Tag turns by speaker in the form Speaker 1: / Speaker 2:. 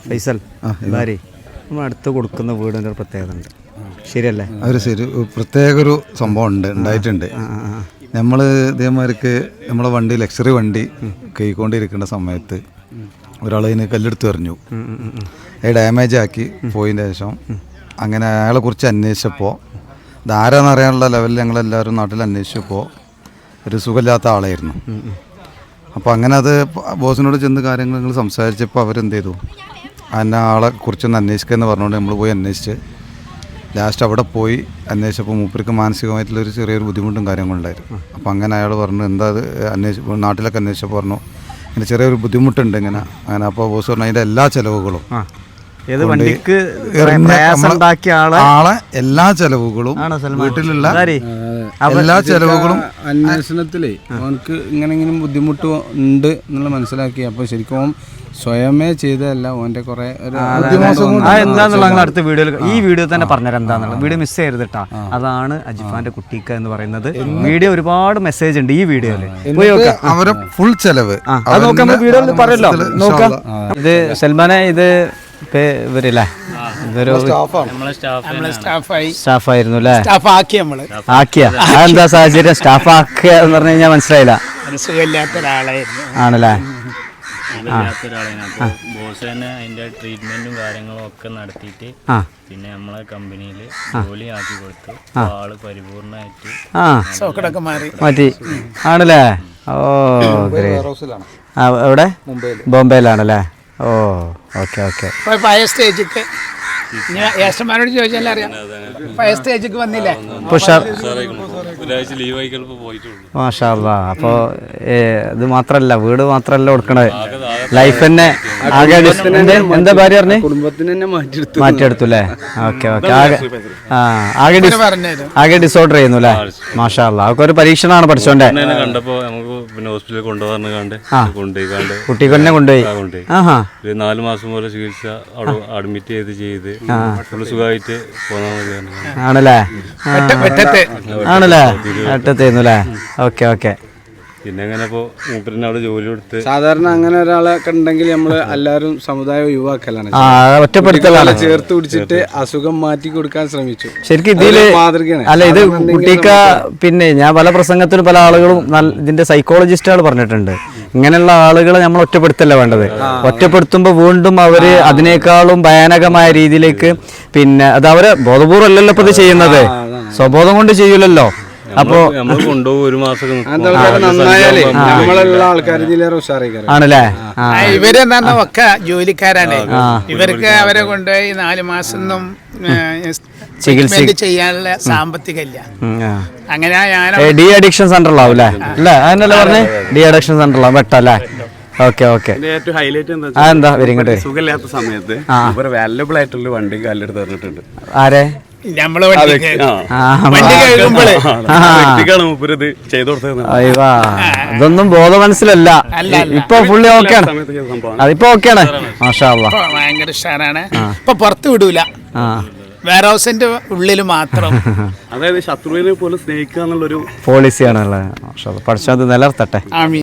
Speaker 1: ഫൈസൽ ഭാര്യ നമ്മൾ അടുത്ത് കൊടുക്കുന്ന വീടിൻ്റെ ഒരു പ്രത്യേകത ഉണ്ട്, ശരിയല്ലേ?
Speaker 2: ഒരു ശരി പ്രത്യേക ഒരു സംഭവം ഉണ്ടായിട്ടുണ്ട്. നമ്മൾ ഇതേമാതിരിക്ക് നമ്മളെ വണ്ടി ലക്ഷറി വണ്ടി കൈക്കൊണ്ടിരിക്കുന്ന സമയത്ത് ഒരാൾ അതിന് കല്ലെടുത്ത് എറിഞ്ഞു, അത് ഡാമേജ് ആക്കി പോയതിന് ശേഷം അങ്ങനെ അയാളെ കുറിച്ച് അന്വേഷിച്ചപ്പോൾ ഇതാരാന്ന് അറിയാനുള്ള ലെവലിൽ ഞങ്ങളെല്ലാവരും നാട്ടിൽ അന്വേഷിച്ചപ്പോൾ ഒരു സുഖമില്ലാത്ത ആളായിരുന്നു. അപ്പോൾ അങ്ങനെ അത് ബോസിനോട് ചെന്ന് കാര്യങ്ങൾ ഞങ്ങൾ സംസാരിച്ചപ്പോൾ അവരെന്ത് ചെയ്തു, അതിനെ ആളെ കുറിച്ചൊന്ന് അന്വേഷിക്കുക എന്ന് പറഞ്ഞുകൊണ്ട് നമ്മൾ പോയി അന്വേഷിച്ച് ലാസ്റ്റ് അവിടെ പോയി അന്വേഷിച്ചപ്പോൾ മൂപ്പർക്ക് മാനസികമായിട്ടുള്ളൊരു ചെറിയൊരു ബുദ്ധിമുട്ടും കാര്യങ്ങളുണ്ടായിരുന്നു. അപ്പോൾ അങ്ങനെ അയാൾ പറഞ്ഞു എന്താ അത് നാട്ടിലൊക്കെ അന്വേഷിച്ചപ്പോൾ പറഞ്ഞു ഇങ്ങനെ ചെറിയൊരു ബുദ്ധിമുട്ടുണ്ട് ഇങ്ങനെ. അങ്ങനെ അപ്പോൾ ബോസ് പറഞ്ഞു അതിൻ്റെ എല്ലാ ചിലവുകളും ആളെ എല്ലാ ചെലവുകളും വീട്ടിലുള്ള എല്ലാ ചെലവുകളും
Speaker 3: അന്വേഷണത്തിലേ അവനക്ക് ഇങ്ങനെങ്കിലും ബുദ്ധിമുട്ട് ഉണ്ട് എന്നുള്ള മനസ്സിലാക്കി. അപ്പോൾ ശരിക്കും സ്വയമേ ചെയ്തതല്ല, ഓൻ്റെ കുറെ
Speaker 1: എന്താന്നുള്ള അടുത്ത വീഡിയോയിൽ ഈ വീഡിയോ തന്നെ പറഞ്ഞുതരാം എന്താന്നുള്ള. വീഡിയോ മിസ് ചെയ്യരുത് കേട്ടോ. അതാണ് അജിഫാന്റെ കുട്ടിക്ക എന്ന് പറയുന്നത്. വീഡിയോ ഒരുപാട് മെസ്സേജ് ഉണ്ട് ഈ വീഡിയോയില്,
Speaker 2: അവരെ ഫുൾ ചെലവ്
Speaker 1: വീഡിയോയിൽ പറയല്ലോ. നോക്കാം, ഇത് സൽമാനെ, ഇത് ഇവരല്ലേ, ഇതൊരു സ്റ്റാഫായിരുന്നു അല്ലേ? ആക്കിയ എന്താ സാഹചര്യം? സ്റ്റാഫ് ആക്കിയ എന്ന് പറഞ്ഞു കഴിഞ്ഞാൽ മനസ്സിലായില്ല. ആണല്ലേ?
Speaker 4: ബോസ് തന്നെ അതിന്റെ ട്രീറ്റ്മെന്റും കാര്യങ്ങളും ഒക്കെ നടത്തിയിട്ട് പിന്നെ നമ്മളെ കമ്പനിയിൽ ജോലി ആക്കി കൊടുത്തു. ആള് പരിപൂർണമായിട്ട്
Speaker 1: മാറ്റി. ആണല്ലേ? ഓ എവിടെ? ബോംബെയിലാണല്ലേ? ഓ ഓക്കെ ഓക്കെ.
Speaker 5: പഴയ സ്റ്റേജിക്ക് യേശന്മാരോട് ചോദിച്ചാൽ അറിയാം, പഴയ സ്റ്റേജിക്ക് വന്നില്ലേ?
Speaker 1: മാഷാ അല്ലാ. അപ്പോൾ ഇത് മാത്രല്ല, വീട് മാത്രല്ല കൊടുക്കണത്, ലൈഫ് തന്നെ ആകെ എന്താ ഭാര്യ പറഞ്ഞേ?
Speaker 3: കുടുംബത്തിന് തന്നെ
Speaker 1: മാറ്റിയെടുത്തു അല്ലേ? Okay okay. ആകെ ഡിസോർഡർ ചെയ്യുന്നു അല്ലേ? മാഷാ അല്ലാ. അതൊക്കെ ഒരു പരീക്ഷണമാണ് പഠിച്ചോണ്ടേ.
Speaker 4: കണ്ടപ്പോ നമുക്ക് പിന്നെ ഹോസ്പിറ്റലിൽ കൊണ്ടുപോകാണ്ട്
Speaker 1: കുട്ടി തന്നെ കൊണ്ടുപോയി.
Speaker 4: 4 മാസം പോലെ ചികിത്സ അവിടെ അഡ്മിറ്റ് ചെയ്ത് സുഖമായിട്ട് പോകാൻ.
Speaker 1: ആണല്ലേ? ആണല്ലേ? അറ്റത്തേന്നു അല്ലേ? Okay okay.
Speaker 4: പിന്നെ അങ്ങനെ ഇപ്പോ മൂപ്പരിന് അവിടെ ജോലി കൊടുത്ത്
Speaker 3: സാധാരണ അങ്ങനെ ഒരാളൊക്കെ ഉണ്ടെങ്കിൽ നമ്മള് എല്ലാവരും സമുദായം ഒഴിവാക്കലാണ്,
Speaker 1: ഒറ്റപ്പെടുത്തലാണ്,
Speaker 3: ചേർത്ത് പിടിച്ചിട്ട് അസുഖം മാറ്റി കൊടുക്കാൻ ശ്രമിച്ചു.
Speaker 1: ശരിക്കും ഇതില് മാതൃകയാണ്. അല്ല, ഇത് കുട്ടിക്ക പിന്നെ ഞാൻ പല പ്രസംഗത്തിലും പല ആളുകളും ഇതിന്റെ സൈക്കോളജിസ്റ്റുകൾ പറഞ്ഞിട്ടുണ്ട്, ഇങ്ങനെയുള്ള ആളുകളെ നമ്മൾ ഒറ്റപ്പെടുത്തല്ല വേണ്ടത്. ഒറ്റപ്പെടുത്തുമ്പോൾ വീണ്ടും അവര് അതിനേക്കാളും ഭയാനകമായ രീതിയിലേക്ക് പിന്നെ അത് അവരെ ബോധപൂർവ്വം അല്ലല്ലോ ഇപ്പൊ ഇത് ചെയ്യുന്നത്, സ്വബോധം കൊണ്ട് ചെയ്യൂലല്ലോ. അപ്പോ
Speaker 4: കൊണ്ടുപോകും 1 മാസം
Speaker 1: ആണല്ലേ?
Speaker 5: ഇവരെന്താ ഒക്കെ ജോലിക്കാരാണ്. ഇവർക്ക് അവരെ കൊണ്ടുപോയി 4 മാസം ചികിത്സ ചെയ്യാനുള്ള സാമ്പത്തികമില്ല. അങ്ങനെ
Speaker 1: ഡി അഡിക്ഷൻ സെന്ററിലാവും അല്ലേ? അല്ലേ? അതിനല്ലേ പറഞ്ഞേ? ഡി അഡിക്ഷൻ സെന്ററിലാവും വെട്ടല്ലേ? Okay okay.
Speaker 3: ഏറ്റവും ഹൈലൈറ്റ്
Speaker 1: എന്താ ഇങ്ങോട്ട്
Speaker 3: സുഖമില്ലാത്ത സമയത്ത് വാല്യബിൾ ആയിട്ടുള്ള വണ്ടി കാലെടുത്ത് തന്നിട്ടുണ്ട്.
Speaker 1: ആരെ?
Speaker 5: നമ്മള് വണ്ടി കഴുകുമ്പോഴേ
Speaker 1: ഇതൊന്നും ബോധ മനസ്സിലല്ല. ഇപ്പൊ ഫുള്ളി ഓക്കെയാണ്, അതിപ്പോ ഓക്കെയാണ്. മാഷാ അല്ലാ,
Speaker 5: ഭയങ്കര ഉഷാറാണ്. ഇപ്പൊ പുറത്ത് വിടൂല, വെയർ ഹൗസിന്റെ ഉള്ളിൽ മാത്രം.
Speaker 3: അതായത് ശത്രുവിനെ പോലെ സ്നേഹിക്കുക എന്നുള്ളൊരു
Speaker 1: പോളിസിയാണല്ലേ? മാഷാ അല്ലാ, പഠിച്ചത് നിലനിർത്തട്ടെ.